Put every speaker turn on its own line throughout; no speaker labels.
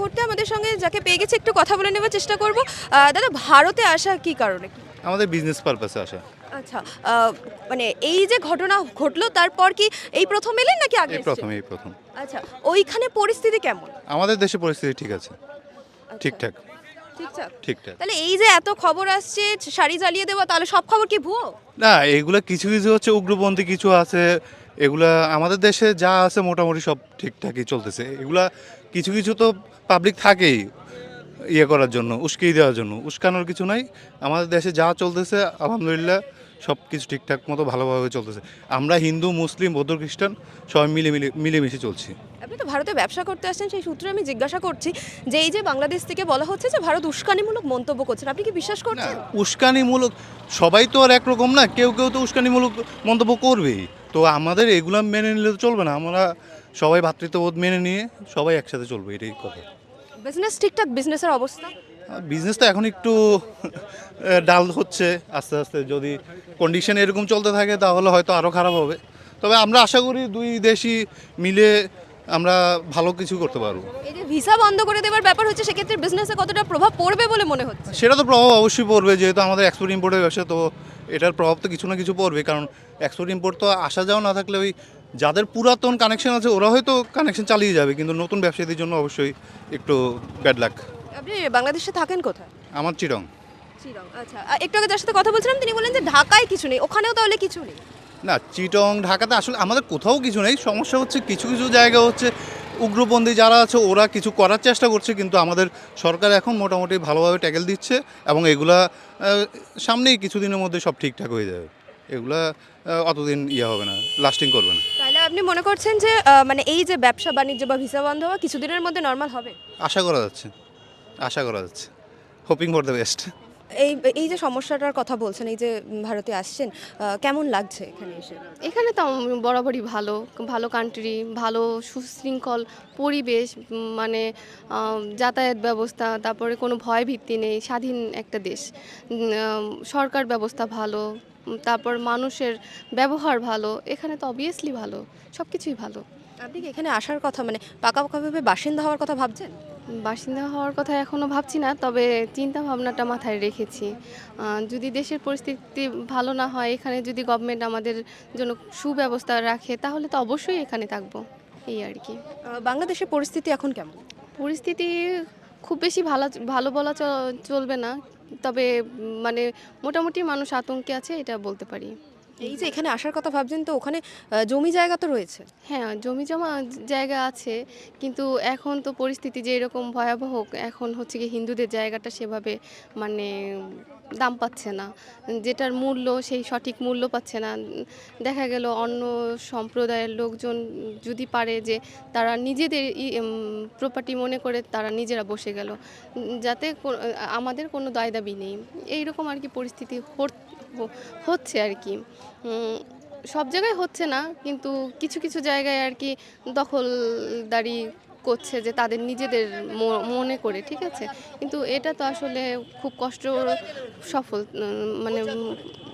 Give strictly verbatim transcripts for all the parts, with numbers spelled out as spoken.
মুহূর্তে আমাদের সঙ্গে যাকে পেয়ে গেছি একটু কথা বলে নেওয়ার চেষ্টা করব। আহ, দাদা, ভারতে আসা কি কারণে?
আমাদের বিজনেস পারপাসে আসা।
আচ্ছা, আহ, মানে এই যে ঘটনা ঘটলো তারপর কি এই প্রথম এলেন নাকি আগে
এই
এসেছেন?
প্রথম এই প্রথম
আচ্ছা, ওইখানে পরিস্থিতি কেমন?
আমাদের দেশে পরিস্থিতি ঠিক আছে,
আচ্ছা,
ঠিকঠাক
ঠিকঠাক।
ঠিকঠাক।
তাহলে এই যে এত খবর আসছে শাড়ি জ্বালিয়ে দেওয়া, তাহলে সব খবর কি ভুয়ো?
না, এগুলা কিছু কিছু হচ্ছে উগ্রপন্থী কিছু আছে, এগুলা আমাদের দেশে যা আছে মোটামুটি সব ঠিকঠাকই চলতেছে। এগুলা কিছু কিছু তো পাবলিক থাকেই ইয়ে করার জন্য, উস্কিয়ে দেওয়ার জন্য। উস্কানোর কিছু নাই, আমাদের দেশে যা চলতেছে আলহামদুলিল্লাহ সব কিছু ঠিকঠাক মতো ভালোভাবে চলতেছে। আমরা হিন্দু মুসলিম বৌদ্ধ খ্রিস্টান সবাই মিলে মিলে মিলেমিশে চলছি।
আপনি তো ভারতে ব্যবসা করতে আসছেন, সেই সূত্রে আমি জিজ্ঞাসা করছি যে এই যে বাংলাদেশ থেকে বলা হচ্ছে যে ভারত উস্কানিমূলক মন্তব্য করছেন, আপনি কি বিশ্বাস
না,
করছেন?
উস্কানিমূলক সবাই তো আর একরকম না, কেউ কেউ তো উস্কানিমূলক মন্তব্য করবেই। তো আমাদের এগুলো মেনে নিলে তো চলবে না, আমরা সবাই ভ্রাতৃত্ববোধ মেনে নিয়ে সবাই একসাথে চলবে, এটাই কথা।
বিজনেস ঠিকঠাক, বিজনেসের অবস্থা?
বিজনেস তো এখন একটু আহ, ডাল হচ্ছে আস্তে আস্তে। যদি কন্ডিশন এরকম চলতে থাকে তাহলে হয়তো আরও খারাপ হবে। তবে আমরা আশা করি দুই দেশই মিলে আমরা ভালো কিছু করতে পারবো।
এই যে ভিসা বন্ধ করে দেওয়ার ব্যাপার হচ্ছে, সেক্ষেত্রে বিজনেসে কতটা প্রভাব পড়বে বলে মনে হচ্ছে?
সেটা তো প্রভাব অবশ্যই পড়বে, যেহেতু আমাদের এক্সপোর্ট ইম্পোর্টের ব্যবসা, তো এটার প্রভাব তো কিছু না কিছু পড়বে। কারণ এক্সপোর্ট ইম্পোর্ট তো আসা যাওয়া না থাকলে ওই যাদের পুরাতন কানেকশন আছে ওরা হয়তো কানেকশন চালিয়ে যাবে, কিন্তু নতুন ব্যবসায়ীদের জন্য অবশ্যই একটু ব্যাড লাক।
আপনি বাংলাদেশে থাকেন কোথায়?
আমার চিরং।
চিরং। আচ্ছা, আ, একটু আগে যার সাথে কথা বলছিলাম তিনি বললেন যে ঢাকায় কিছু নেই, ওখানেও তাহলে কিছু নেই?
না, চিটং ঢাকাতে আসলে আমাদের কোথাও কিছু নেই। সমস্যা হচ্ছে কিছু কিছু জায়গা হচ্ছে উগ্রপন্থী যারা আছে ওরা কিছু করার চেষ্টা করছে, কিন্তু আমাদের সরকার এখন মোটামুটি ভালোভাবে ট্যাকেল দিচ্ছে এবং এগুলা আহ, সামনেই কিছুদিনের মধ্যে সব ঠিকঠাক হয়ে যাবে। এগুলা আহ, অতদিন ইয়ে হবে না, লাস্টিং করবে না।
তাহলে আপনি মনে করছেন যে আহ, মানে এই যে ব্যবসা বাণিজ্য বা ভিসা বন্ধ হওয়া কিছুদিনের মধ্যে নর্মাল হবে?
আশা করা যাচ্ছে, আশা করা যাচ্ছে, হোপিং ফর দ্য বেস্ট।
এই এই যে সমস্যাটার কথা বলছেন, এই যে উম, ভারতে আসছেন, আহ, কেমন লাগছে এখানে এসে?
এখানে তো আম- বরাবরই ভালো ভালো কান্ট্রি, ভালো সুশৃঙ্খল পরিবেশ, উম, মানে আম, যাতায়াত ব্যবস্থা, তারপরে কোনো ভয় ভিত্তি নেই, স্বাধীন একটা দেশ। উম, আম, সরকার ব্যবস্থা ভালো, উম, তারপর মানুষের ব্যবহার ভালো, এখানে তো অবভিয়াসলি ভালো, সব কিছুই ভালো।
আপনি কি এখানে আসার কথা, মানে পাকাপাকাভাবে বাসিন্দা হওয়ার কথা ভাবছেন?
বাসিন্দা হওয়ার কথা এখনও ভাবছি না, তবে চিন্তা ভাবনাটা মাথায় রেখেছি। আহ, যদি দেশের পরিস্থিতি ভালো না হয়, এখানে যদি গভর্নমেন্ট আমাদের জন্য সুব্যবস্থা রাখে তাহলে তো অবশ্যই এখানে থাকবো, এই আর কি।
আহ, বাংলাদেশের পরিস্থিতি এখন কেমন?
পরিস্থিতি খুব বেশি ভালো ভালো বলা চ- চলবে না, তবে উম, মানে মোটামুটি মানুষ আতঙ্কে আছে, এটা বলতে পারি।
এই যে এখানে আসার কথা ভাবছেন, তো ওখানে আহ, জমি জায়গা তো রয়েছে।
হ্যাঁ, জমি জমা জায়গা আছে, কিন্তু এখন তো পরিস্থিতি যে এরকম ভয়াবহ, এখন হচ্ছে কি হিন্দুদের জায়গাটা সেভাবে মানে দাম পাচ্ছে না, যেটার মূল্য সেই সঠিক মূল্য পাচ্ছে না। উম, দেখা গেল অন্য সম্প্রদায়ের লোকজন যদি পারে যে তারা নিজেদের প্রপার্টি মনে করে তারা নিজেরা বসে গেল, উম, যাতে কো- আমাদের কোনো দায় দাবি নেই, এইরকম আর কি পরিস্থিতি হট- হ- হচ্ছে আর কি। উম, সব জায়গায় হচ্ছে না, কিন্তু কিছু কিছু জায়গায় আর কি দখলদারি করছে যে তাদের নিজেদের ম- মনে করে, ঠিক আছে, কিন্তু এটা তো আসলে খুব কষ্ট সফল, উম, মানে উম,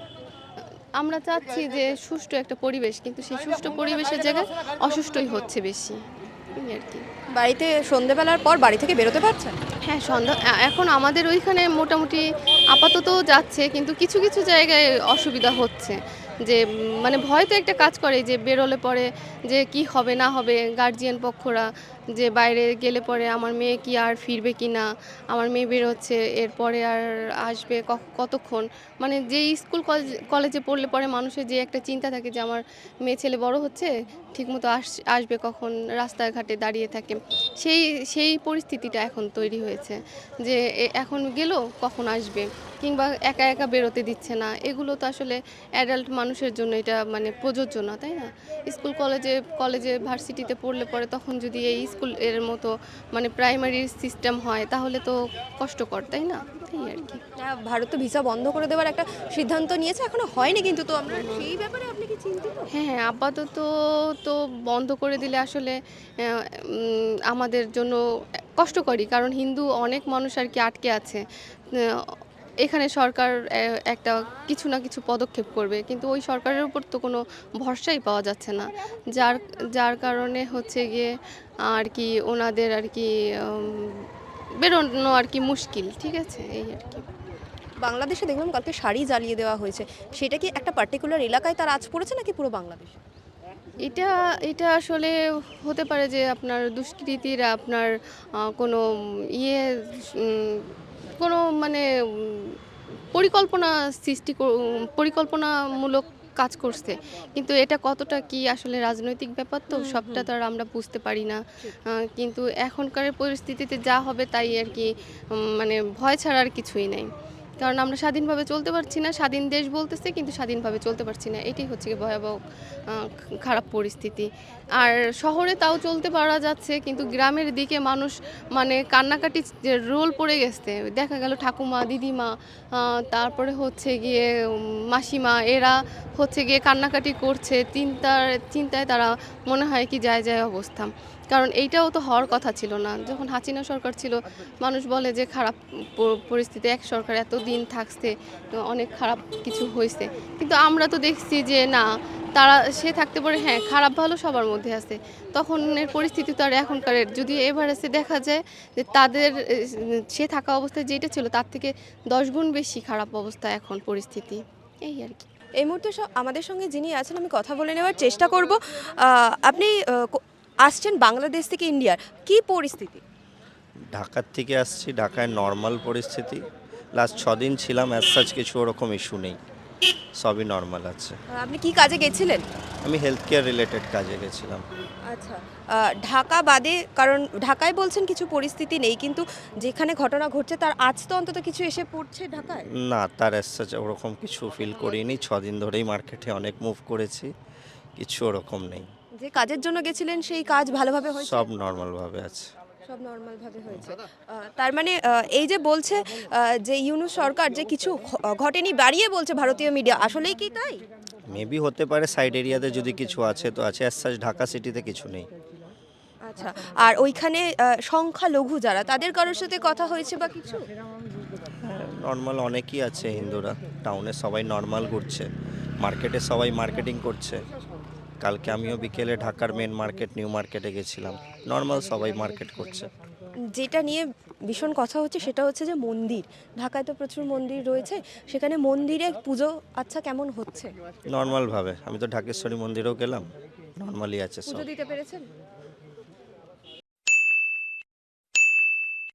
আমরা চাচ্ছি যে সুষ্ঠু একটা পরিবেশ, কিন্তু সেই সুষ্ঠু পরিবেশের জায়গায় অসুষ্ঠুই হচ্ছে বেশি, এই আর কি।
বাড়িতে সন্ধেবেলার পর বাড়ি থেকে বেরোতে পারছেন?
হ্যাঁ, সন্ধ্যা এ- এখন আমাদের ওইখানে মোটামুটি আপাতত যাচ্ছে, কিন্তু কিছু কিছু জায়গায় অসুবিধা হচ্ছে, যে উম, মানে ভয় তো একটা কাজ করে যে বেরোলে পরে যে কি হবে না হবে, গার্জিয়ান পক্ষরা যে বাইরে গেলে পরে আমার মেয়ে কি আর ফিরবে কি না, আমার মেয়ে বেরোচ্ছে এরপরে আর আসবে ক- কতক্ষণ, মানে যে স্কুল কলেজ কলেজে পড়লে পরে মানুষের যে একটা চিন্তা থাকে যে আমার মেয়ে ছেলে বড় হচ্ছে, ঠিকমতো আস আসবে কখন, রাস্তাঘাটে দাঁড়িয়ে থাকে, সেই সেই পরিস্থিতিটা এখন তৈরি হয়েছে যে এ- এখন গেল কখন আসবে, কিংবা একা একা বেরোতে দিচ্ছে না, এগুলো তো আসলে অ্যাডাল্ট মানুষের জন্য এটা মানে প্রযোজ্য না, তাই না? স্কুল কলেজে কলেজে ভার্সিটিতে পড়লে পরে তখন যদি এই স্কুল এর মতো মানে প্রাইমারি সিস্টেম হয় তাহলে তো কষ্টকর, তাই না? এই আর কি।
আহ, ভারত তো ভিসা বন্ধ করে দেওয়ার একটা সিদ্ধান্ত নিয়েছে, এখনো হয়নি কিন্তু, তো আমরা সেই ব্যাপারে আপনি কি চিন্তিত?
হ্যাঁ, হ্যাঁ, আপাতত তো বন্ধ করে দিলে আসলে আহ, উম, আমাদের জন্য কষ্টকরই, কারণ হিন্দু অনেক মানুষ আর কি আটকে আছে। আহ, এখানে সরকার আহ, একটা কিছু না কিছু পদক্ষেপ করবে, কিন্তু ওই সরকারের উপর তো কোনো ভরসাই পাওয়া যাচ্ছে না, যার যার কারণে হচ্ছে গিয়ে আর কি ওনাদের আর কি উম, বেরোনো আর কি মুশকিল, ঠিক আছে, এই আর কি।
বাংলাদেশে দেখলাম কালকে শাড়ি জ্বালিয়ে দেওয়া হয়েছে, সেটা কি একটা পার্টিকুলার এলাকায় তার আঁচ পড়েছে নাকি পুরো বাংলাদেশ?
এটা এটা আসলে হতে পারে যে আপনার দুষ্কৃতীরা আপনার আহ, কোনো ইয়ে উম, কোনো মানে উম, পরিকল্পনা সৃষ্টি কর- উম, পরিকল্পনামূলক কাজ করছে, কিন্তু এটা কতটা কি আসলে রাজনৈতিক ব্যাপার, তো সবটা তো আর আমরা বুঝতে পারি না। আহ, কিন্তু এখনকার পরিস্থিতিতে যা হবে তাই আর কি, উম, মানে ভয় ছাড়া আর কিছুই নাই। কারণ আমরা স্বাধীনভাবে চলতে পারছি না, স্বাধীন দেশ বলতেছে কিন্তু স্বাধীনভাবে চলতে পারছি না, এটাই হচ্ছে কি ভয়াবহ আহ, খারাপ পরিস্থিতি। আর শহরে তাও চলতে পারা যাচ্ছে, কিন্তু গ্রামের দিকে মানুষ মানে কান্নাকাটি রোল পড়ে গেছে, দেখা গেল ঠাকুমা, দিদিমা, আহ, তারপরে হচ্ছে গিয়ে উম, মাসিমা, এরা হচ্ছে গিয়ে কান্নাকাটি করছে, চিন্তার চিন্তায় তারা মনে হয় কি যায় যায় অবস্থা। কারণ এইটাও তো হওয়ার কথা ছিল না, যখন হাসিনা সরকার ছিল মানুষ বলে যে খারাপ প- পরিস্থিতি, এক সরকার এত দিন থাকছে, তো অনেক খারাপ কিছু হয়েছে, কিন্তু আমরা তো দেখছি যে না, তারা সে থাকতে পারে, হ্যাঁ খারাপ ভালো সবার মধ্যে আছে, তখন এর পরিস্থিতি তো আর এখনকার যদি এভারেজে দেখা যায় যে তাদের এ, সে থাকা অবস্থায় যেটা ছিল তার থেকে দশ গুণ বেশি খারাপ অবস্থা এখন পরিস্থিতি, এই আর কি।
এই মুহূর্তে স- আমাদের সঙ্গে যিনি আছেন আমি কথা বলে নেওয়ার চেষ্টা করব। আহ, আপনি আহ, কো- আসছেন বাংলাদেশ থেকে ইন্ডিয়ার, কি পরিস্থিতি?
ঢাকার থেকে আসছি, ঢাকায় নর্মাল পরিস্থিতি। লাস্ট ছদিন ছিলাম, অ্যাজ সাচ কিছু ওরকম ইস্যু নেই, সবই নর্মাল আছে।
আহ, আপনি কি কাজে গেছিলেন?
আমি হেলথ কেয়ার রিলেটেড কাজে গেছিলাম।
আচ্ছা, আহ, ঢাকা বাদে, কারণ ঢাকায় বলছেন কিছু পরিস্থিতি নেই, কিন্তু যেখানে ঘটনা ঘটছে তার আজ তো অন্তত কিছু এসে পড়ছে ঢাকায়।
না, তার অ্যাজ সাচ ওরকম কিছু ফিল করিনি, ছদিন ধরেই মার্কেটে অনেক মুভ করেছি, কিছু ওরকম নেই,
যে কাজের জন্য গেছিলেন সেই কাজ ভালোভাবে হয়েছে?
সব নর্মালভাবে আছে।
সব নর্মাল ভাবে হয়েছে। আহ, তার মানে আহ, এই যে বলছে আহ, যে ইউনূস সরকার যে কিছু ঘ- ঘটেনি বাড়িয়ে বলছে ভারতীয় মিডিয়া, আসলেই কি তাই?
মেবি হতে পারে সাইড এরিয়াতে যদি কিছু আছে তো আছে, অ্যাজ সাচ ঢাকা সিটিতে কিছু নেই।
আচ্ছা, আর ওইখানে আহ, সংখ্যালঘু যারা, তাদের কারোর সাথে কথা হয়েছে বা কিছু?
নর্মাল অনেকই আছে হিন্দুরা, টাউনে সবাই নর্মাল ঘুরছে, মার্কেটে সবাই মার্কেটিং করছে। কালকে আমিও বিকেলে ঢাকার মেন মার্কেট নিউ মার্কেটে গেছিলাম, নর্মাল সবাই মার্কেট করছে।
যেটা নিয়ে ভীষণ কথা হচ্ছে সেটা হচ্ছে যে মন্দির, ঢাকায় তো প্রচুর মন্দির রয়েছে, সেখানে মন্দিরে পুজো আচ্ছা কেমন হচ্ছে?
নর্মালভাবে আমি তো ঢাকেশ্বরী মন্দিরেও গেলাম, নর্মালি আছে সব।
পুজো দিতে পেরেছেন?